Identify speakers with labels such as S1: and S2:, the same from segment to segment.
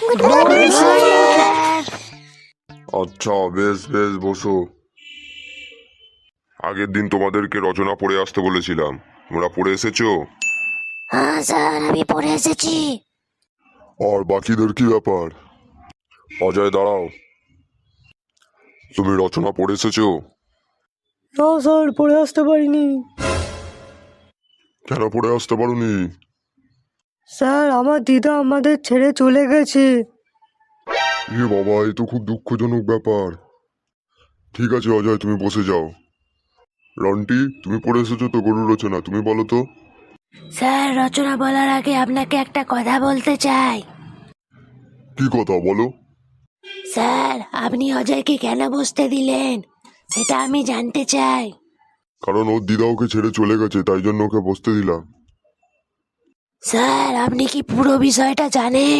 S1: আচ্ছা, বেশ বেশ, বসো। আগের দিন তোমাদেরকে রচনা পড়ে আসতে বলেছিলাম, তোমরা পড়ে এসেছো?
S2: হ্যাঁ স্যার, আমি পড়ে এসেছি।
S1: আর বাকিদের কি ব্যাপার? অজয়, দাঁড়াও। তুমি রচনা পড়ে এসেছো?
S3: না স্যার, পড়ে আসতে পারিনি।
S1: কেন পড়ে আসতে পারোনি?
S3: স্যার, আমার দিদা আমাদের ছেড়ে চলে গেছে।
S1: এ বাবা, এ তো খুব দুঃখজনক ব্যাপার। ঠিক আছে অজয়, তুমি বসে যাও। রন্টি, তুমি পড়ে এসেছো তো গরুর রচনা, তুমি বলো তো।
S2: স্যার, রচনা বলার আগে আপনাকে একটা কথা বলতে চাই।
S1: কি কথা বলো?
S2: স্যার, আপনি অজয়কে কেন বসতে দিলেন সেটা আমি জানতে চাই।
S1: কারণ ওর দিদা ওকে ছেড়ে চলে গেছে, তাই জন্য ওকে বসতে দিলাম।
S2: স্যার, আপনি কি পুরো বিষয়টা জানেন?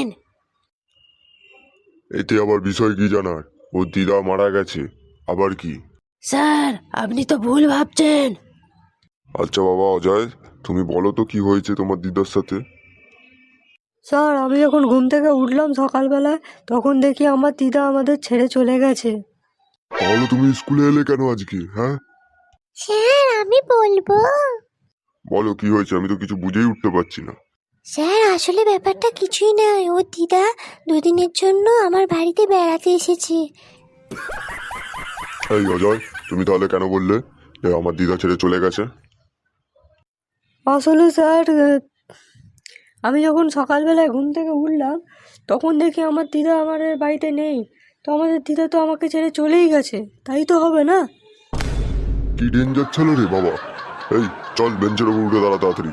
S1: এতে আবার বিষয় কি জানার? ওর দিদা মারা গেছে, আবার কি?
S2: স্যার, আপনি তো ভুল ভাবছেন।
S1: আচ্ছা বাবা অজয়, তুমি বলো তো কি হয়েছে তোমার দিদার সাথে।
S3: স্যার, আমি যখন ঘুম থেকে উঠলাম সকালবেলায়, তখন দেখি আমার দিদা আমাদের ছেড়ে চলে গেছে।
S1: তাহলে তুমি স্কুলে এলে কেন আজকে, হ্যাঁ?
S2: স্যার, আমি বলবো।
S1: বলো কি হয়েছে, আমি তো কিছু বুঝেই উঠতে পারছি না।
S2: স্যার, আসলে ব্যাপারটা কিছুই নয়। ওর দিদা দুদিনের জন্য আমার বাড়িতে বেড়াতে এসেছে।
S1: এই অজয়, তুমি তাহলে কেন বললে যে আমার দিদা ছেড়ে চলে গেছে?
S3: আসলে স্যার, আমি যখন সকালবেলায় ঘুম থেকে উঠলাম, তখন দেখি আমার দিদা আমাদের বাড়িতে নেই। তো আমাদের দিদা তো আমাকে ছেড়ে চলেই গেছে, তাই তো হবে না?
S1: কি ডেঞ্জার ছিল রে বাবা। এই চল, বেঞ্চের উপর উঠে দাঁড়া তাড়াতাড়ি।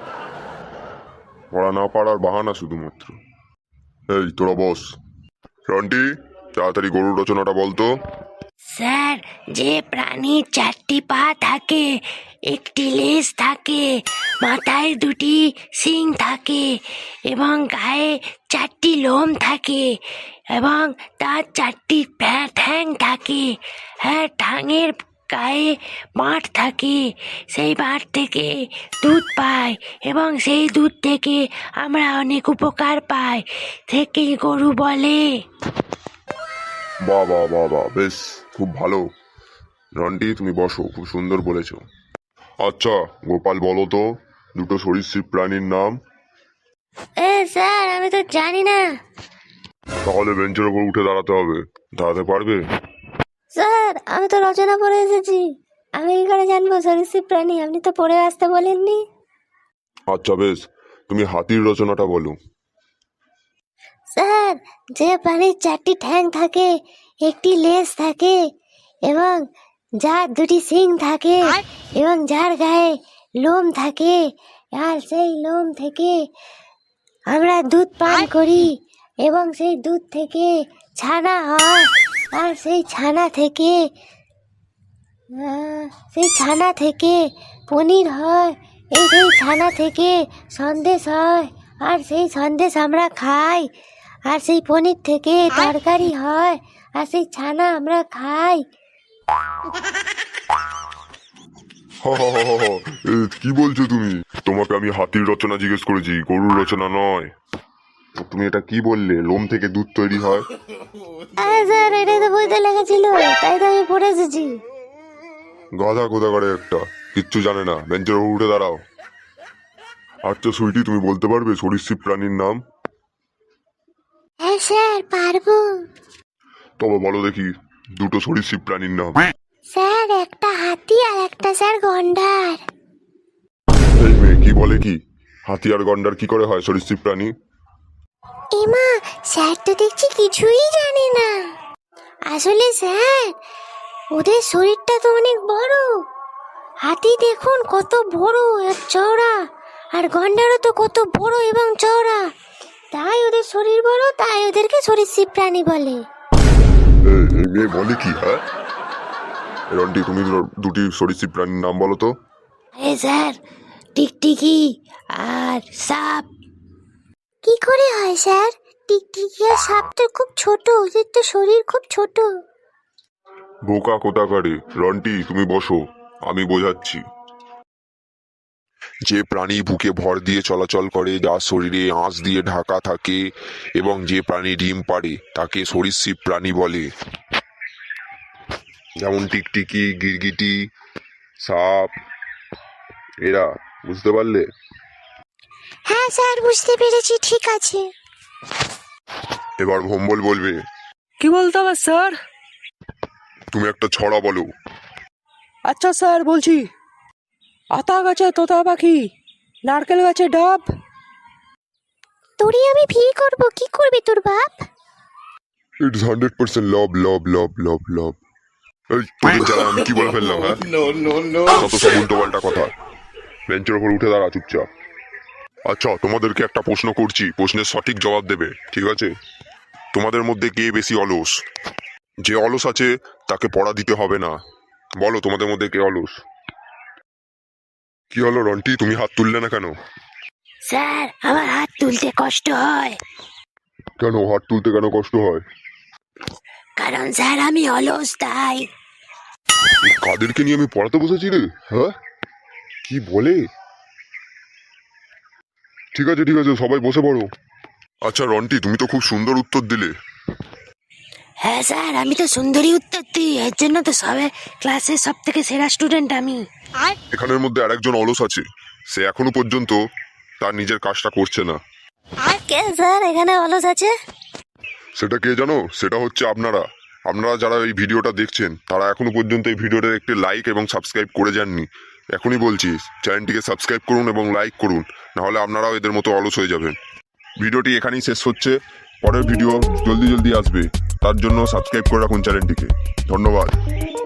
S1: পড়া না পারার বাহানা শুধুমাত্র। এই তোরা বস। রন্টি, তাড়াতাড়ি গরুর রচনাটা বলতো।
S2: স্যার, যে প্রাণীর 4টি পা থাকে, একটি লেজ থাকে, মাথায় 2টি শিং থাকে এবং গায়ে 4টি লোম থাকে এবং তার 4টি ঠ্যাং থাকে। হ্যাঁ, ঠ্যাঙের গায়ে বাঁট থাকে, সেই বাঁট থেকে দুধ পায় এবং সেই দুধ থেকে আমরা অনেক উপকার পাই, থেকেই গরু বলে।
S1: বাহ বাহ বাহ বাহ, বেশ, খুব ভালো। রন্টি, তুমি বসো, খুব সুন্দর বলেছো। আচ্ছা গোপাল, বলো তো দুটো সরীসৃপ প্রাণীর নাম।
S2: স্যার, আমি তো জানি না।
S1: তাহলে বেঞ্চের উপর উঠে দাঁড়াতে হবে, দাঁড়াতে পারবে?
S2: স্যার, আমি তো রচনা পড়ে এসেছি, আমি কি করে জানবো সরীসৃপ প্রাণী? আপনি তো পড়ে আসতে বলেননি।
S1: আচ্ছা বেশ, তুমি হাতির রচনাটা বলো।
S2: স্যার, যে প্রাণীর 4টি ঠ্যাং থাকে, একটি লেজ থাকে এবং যার 2টি শিং থাকে এবং যার গায়ে লোম থাকে, আর সেই লোম থেকে আমরা দুধ পান করি এবং সেই দুধ থেকে ছানা হয়, আর সেই ছানা থেকে পনির হয়, সেই ছানা থেকে সন্দেশ হয়, আর সেই সন্দেশ আমরা খাই, আর সেই পনির থেকে তরকারি হয়, আর সেই ছানা আমরা খাই।
S1: কি বলছো তুমি? তোমাকে আমি হাতির রচনা জিজ্ঞেস করেছি, গরুর রচনা নয়। তুমি এটা কি বললে, লোম থেকে দুধ তৈরি হয়?
S2: আরে স্যার, এটাই তো বইতে লেখা ছিল, তাই তো আমি পড়ে এসেছি।
S1: গাধা কোথাকারে একটা, কিচ্ছু জানে না। বেঞ্চের উপর উঠে দাঁড়াও। আচ্ছা সুইটি, তুমি বলতে পারবে সরীসৃপ প্রাণীর নাম?
S2: হ্যাঁ স্যার, পারবো।
S1: তবে বলো দেখি দুটো সরীসৃপ প্রাণীর নাম।
S2: স্যার, একটা হাতি আর একটা স্যার গন্ডার।
S1: এই মেয়ে কি বলে কি? হাতি আর গন্ডার কি করে হয় সরীসৃপ প্রাণী?
S2: এমা, স্যার তো দেখছি কিছুই জানে না। আসলে স্যার, ওদের শরীরটা তো অনেক বড়। হাতি দেখুন কত বড় আর চওড়া, আর গন্ডারও তো কত বড় এবং চওড়া। তাই ওদের শরীর বড়, তাই ওদেরকে সরীসৃপ প্রাণী বলে।
S1: এই মেয়ে বলে কি, হ্যাঁ? রন্টি, তুমি দুটি সরীসৃপ প্রাণীর নাম বলো তো।
S2: স্যার, টিকটিকি আর সাপ। কি করে হয় স্যার? টিকটিকি আর সাপ তো খুব ছোট, ওদের তো শরীর খুব ছোট।
S1: বোকা কোথাকারে। রন্টি, তুমি বসো, আমি বোঝাচ্ছি। যে প্রাণী বুকে ভর দিয়ে চলাচল করে, যার শরীরে আঁশ দিয়ে ঢাকা থাকে এবং যে প্রাণী ডিম পাড়ে তাকে সরীসৃপ প্রাণী বলে। যেমন টিকটিকি, গিরগিটি, সাপ, এরা। বুঝতে পারলে?
S2: হ্যাঁ স্যার, বুঝতে পেরেছি, ঠিক আছে।
S1: এবার ভম্বল বলবে।
S3: কি বলতে হবে স্যার?
S1: তুমি একটা ছড়া বলো।
S3: আচ্ছা স্যার, বলছি। আতা গাছে তোতা পাখি, নারকেল গাছে ডাব।
S2: তোরে আমি বিয়ে করবো, কি করবে তোর বাপ?
S1: ইটস 100% লব লব লব লব লব। এই তোদের জ্বালা আমি কি বলে ফেললাম? হ্যাঁ, কত সব উল্টো পাল্টা কথা। বেঞ্চের ওপর উঠে দাঁড়া চুপচাপ। আচ্ছা, তোমাদেরকে একটা প্রশ্ন করছি, প্রশ্নের সঠিক জবাব দেবে, ঠিক আছে? তোমাদের মধ্যে কে বেশি অলস? যে অলস আছে তাকে পড়া দিতে হবে না। বলো তোমাদের মধ্যে কে অলস? কি হলো রন্টি, তুমি হাত তুললে না কেন?
S2: স্যার, আমার হাত তুলতে কষ্ট হয়।
S1: কেন হাত তুলতে কেন কষ্ট হয়?
S2: কারণ স্যার আমি অলস, তাই।
S1: এই কাদেরকে নিয়ে আমি পড়াতে বসেছি রে? হ্যাঁ, কি বলে? ঠিক আছে ঠিক আছে, সবাই বসে পড়ো। আচ্ছা রন্টি, তুমি তো খুব সুন্দর উত্তর দিলে।
S2: হ্যাঁ স্যার, আমি তো সুন্দরী উত্তর দিই, এর জন্য তো সবে ক্লাসের সব থেকে সেরা স্টুডেন্ট আমি।
S1: এখানের মধ্যে আরেকজন অলস আছে, সে এখনো পর্যন্ত তার নিজের কাজটা করছে না।
S2: আর কে স্যার এখানে অলস আছে?
S1: সেটা কে জানো? সেটা হচ্ছে আপনারা। আপনারা যারা এই ভিডিওটা দেখছেন তারা এখনো পর্যন্ত এই ভিডিওটার একটি লাইক এবং সাবস্ক্রাইব করে যাননি। এখনই বলছি, চ্যানেলটিকে সাবস্ক্রাইব করুন এবং লাইক করুন, নাহলে আপনারাও এদের মতো অলস হয়ে যাবেন। ভিডিওটি এখানেই শেষ হচ্ছে, পরের ভিডিও জলদি জলদি আসবে, তার জন্য সাবস্ক্রাইব করে রাখুন চ্যানেলটিকে। ধন্যবাদ।